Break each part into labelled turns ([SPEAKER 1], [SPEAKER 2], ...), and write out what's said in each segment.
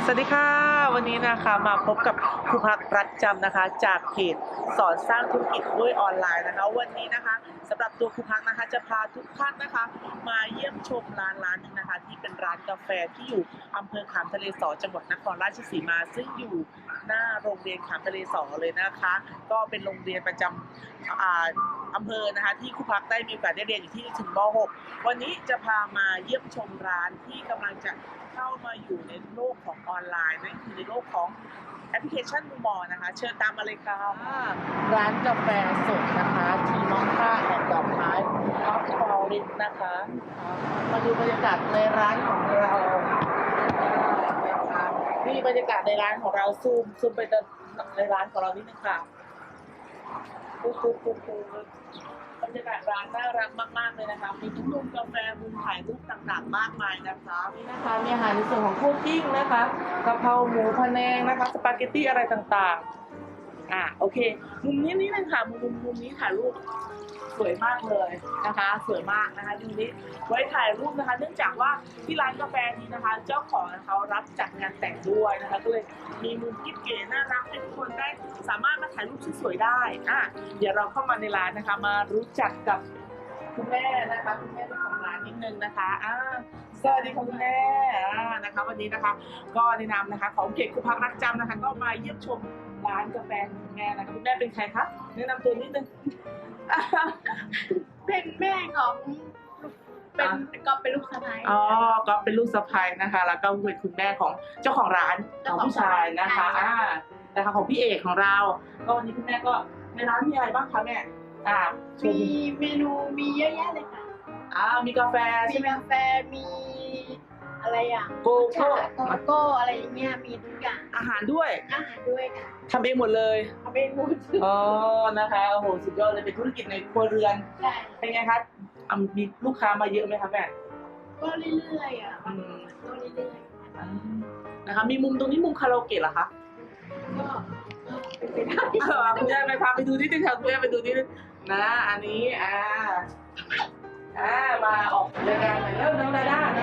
[SPEAKER 1] วัสดีค่ะวันนี้นะคะมาพบกับครูพักรักจำนะคะจากเพจสอนสร้างธุรกิจด้วยออนไลน์นะคะวันนี้นะคะสำหรับตัวครูพักนะคะจะพาทุกท่านนะคะมาเยี่ยมชมร้านนึงนะคะที่เป็นร้านกาแฟที่อยู่อำเภอขามทะเลสอจังหวัดนครราชสีมาซึ่งอยู่หน้าโรงเรียนขามทะเลสอเลยนะคะก็เป็นโรงเรียนประจำอำเภอนะคะที่ครูพักได้มีโอกาสได้เรียนอยู่ที่ถึงม .6 วันนี้จะพามาเยี่ยมชมร้านที่กำลังจะเข้ามาอยู่ในโลกของออนไลน์นั่นคือในโลกของแอปพลิเคชันมูมอนะคะเชิญตามมาเลยค่ะร้านกาแฟสดนะคะทีมอคค่าแอนด์ดอกไม้ออฟฟอริสนะคะมาดูบรรยากาศในร้านของเรานะคะนี่บรรยากาศในร้านของเราซูมไปในร้านของเรานิดนึงค่ะบรรยากาศร้านน่ารักมากๆเลยนะคะมีทั้งมุมกาแฟมุมถ่ายรูปต่างๆมากมายนะคะนี่นะคะมีอาหารในส่วนของคุกกิ้งนะคะกะเพราหมูพะแนงนะคะสปาเกตตี้อะไรต่างๆโอเคมุมนี้นี่เลยค่ะมุมนี้ถ่ายรูปสวยมากเลยนะคะสวยมากนะคะดูนี้ไว้ถ่ายรูปนะคะเนื่องจากว่าที่ร้านกาแฟนี้นะคะเจ้าของเขารับจัดงานแต่งด้วยนะคะก็เลยมีมุมกิ๊บเก๋น่ารักให้ทุกคนได้สามารถมาถ่ายรูปสวยๆได้เดี๋ยวเราเข้ามาในร้านนะคะมารู้จักกับคุณแม่นะคะคุณแม่ของร้านนิดนึงนะคะสวัสดีคุณแม่นะคะวันนี้นะคะก็ในนามนะคะของเพจครูพักรักจำนะคะก็มาเยี่ยมชมร้านกาแฟคุณแม่นะคะคุณแม่เป็นใครคะแนะนำตัวนิดนึง
[SPEAKER 2] เป็นแม่ของก็เป็นลูกสะใภ้
[SPEAKER 1] ก็เป็นลูกสะใภ้นะคะแล้วก็เป็นคุณแม่ของเจ้าของร้านของผู้ชายนะคะนะคะของพี่เอกของเราก็วันนี้คุณแม่ก็ในร้านมีอะไรบ้างคะแม่
[SPEAKER 2] มีเมนูมีเยอะแยะเลยค่ะ
[SPEAKER 1] มีกาแฟใช่ไหม
[SPEAKER 2] กาแฟมีอะไร
[SPEAKER 1] โก
[SPEAKER 2] โก้อะไรอย่างเงี้ยมีทุกอย่าง
[SPEAKER 1] อาหารด้วย
[SPEAKER 2] ค่ะ
[SPEAKER 1] ทำเองหมดเลย
[SPEAKER 2] ทำเองหมด
[SPEAKER 1] นะคะโอ้โหสุดยอดเลยเป็นธุรกิจในครัวเรือน
[SPEAKER 2] ใช่
[SPEAKER 1] เป็นไงคะมีลูกค้ามาเยอะไหมคะแม่
[SPEAKER 2] ก็เรื่อยๆก็เรื่อย
[SPEAKER 1] ๆนะคะมีมุมตรงนี้มุมคาราโอเกะเหรอคะ
[SPEAKER 2] ก็เป็นไปได้
[SPEAKER 1] คุณแม่ไปพาไปดูที่ตึกแถวคุณแม่ไปดูที่นะอันนี้มาออกรายการหน่อยเริ่มน้องดาไม่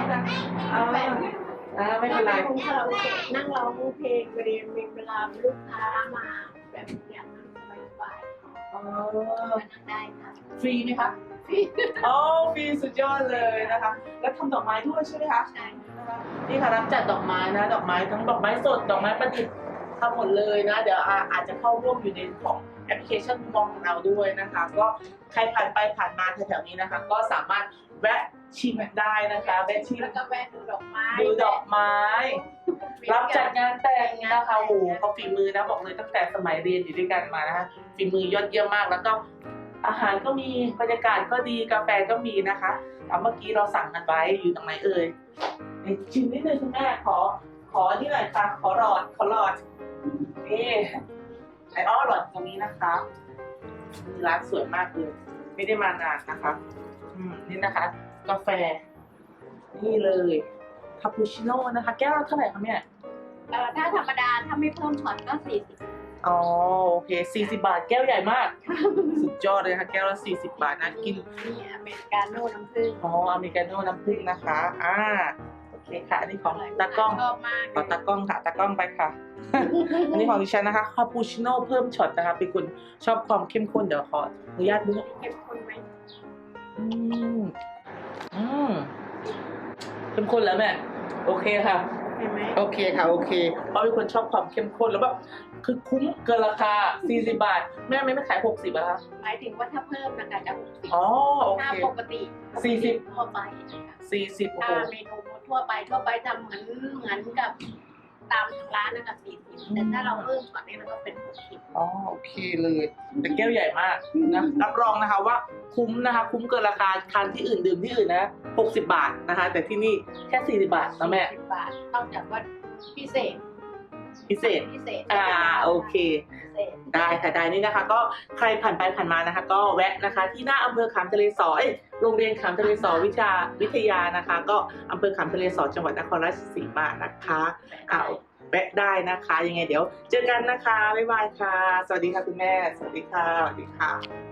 [SPEAKER 1] เป็นไร
[SPEAKER 2] คาราโอเกะนั่งร้องเพลงพอดีมีเวลาลูกค้ามาแบบอย่างนั้นสบายๆนั่งได้ค่ะ
[SPEAKER 1] ฟรีไหมคะฟรีฟรีสุดยอดเลยนะคะแล้วทำดอกไม้ด้วยใช่ไหมคะ
[SPEAKER 2] ใช่
[SPEAKER 1] นะคะนี่ค่ะรับจัดดอกไม้นะดอกไม้ทั้งดอกไม้สดดอกไม้ประดิษฐ์ทำหมดเลยนะเดี๋ยวอาจจะเข้าร่วมอยู่ในของแอปพลิเคชันมองของเราด้วยนะคะก็ใครผ่านไปผ่านมาแถวๆนี้นะคะก็สามารถแวะชิมได้นะคะแวะชิม
[SPEAKER 2] แล้วก็แวะดูดอกไม้
[SPEAKER 1] รับจัดงานแต่งนะคะโอ้โหเขาฝีมือนะบอกเลยตั้งแต่สมัยเรียนอยู่ด้วยกันมานะคะฝีมือยอดเยี่ยมมากแล้วก็อาหารก็มีบรรยากาศก็ดีกาแฟก็มีนะคะเมื่อกี้เราสั่งกันไว้อยู่ตรงไหนเอ่ยชิมนิดนึงคุณแม่ขอที่ไหนคะขอหลอดนี่หลอดตรงนี้นะคะร้านสวยมากเลยไม่ได้มานานนะคะนี่นะคะกาแฟนี่เลยคาปูชิโน่นะคะแก้วเท่าไหร่คะเนี่ย
[SPEAKER 2] ถ้าธรรมดาถ้าไม่เพิ่มช็อตก็40
[SPEAKER 1] โอเค40 บาทแก้วใหญ่มากสุดยอดเลยค่ะแก้วละ40 บาทนะกิน
[SPEAKER 2] นี่อเมริกาโน่น้ำผึ้ง
[SPEAKER 1] อเมริกาโน่น้ำผึ้งนะคะโอเคค่ะอันนี้ของตากล้องขอตากล้องค่ะตากล้องไปค่ะอันนี้ของดิฉันนะคะคาปูชิโน่เพิ่มช็อตนะคะเป็นคนชอบความเข้มข้นเดี๋ยวขออนุญาตด้วย
[SPEAKER 2] เข้มข้นไหม
[SPEAKER 1] เข้มข้นแล้วแม่โอเคค่ะโอเคค่ะโอเคเพราะเป็นคนชอบความเข้มข้นแล้วแบบคือคุ้มเกินราคา40 บาทแม่ไม่ขาย60อะคะ
[SPEAKER 2] หมายถึงว่าถ้าเพิ่มนะคะจะ60
[SPEAKER 1] โอเค
[SPEAKER 2] ถ้าปกติ
[SPEAKER 1] 40
[SPEAKER 2] ทั่วไป
[SPEAKER 1] 40
[SPEAKER 2] ถ้าเมนูทั่วไปทำเหมือนกับตามร้านนะคะ40แต่ถ้าเราเพิ่มก่อนนี้มันก็เป็น60
[SPEAKER 1] โอเคเลยแต่แก้วใหญ่มากนะรับรองนะคะว่าคุ้มนะคะคุ้มเกินราคาทานที่อื่นดื่มที่อื่นนะ60 บาทนะคะแต่ที่นี่แค่40 บาทนะแม่
[SPEAKER 2] 40 บาทนอกจากว่าพิเศษ
[SPEAKER 1] โอเคได้ค่ะได้นี่นะคะก็ใครผ่านไปผ่านมานะคะก็แวะนะคะที่หน้าอำเภอขามทะเลสอโรงเรียนขามทะเลสอวิทยานะคะก็อำเภอขามทะเลสอจังหวัดนครราชสีมานะคะแวะได้นะคะยังไงเดี๋ยวเจอกันนะคะบ๊ายบายค่ะสวัสดีค่ะคุณแม่สวัสดีค่ะ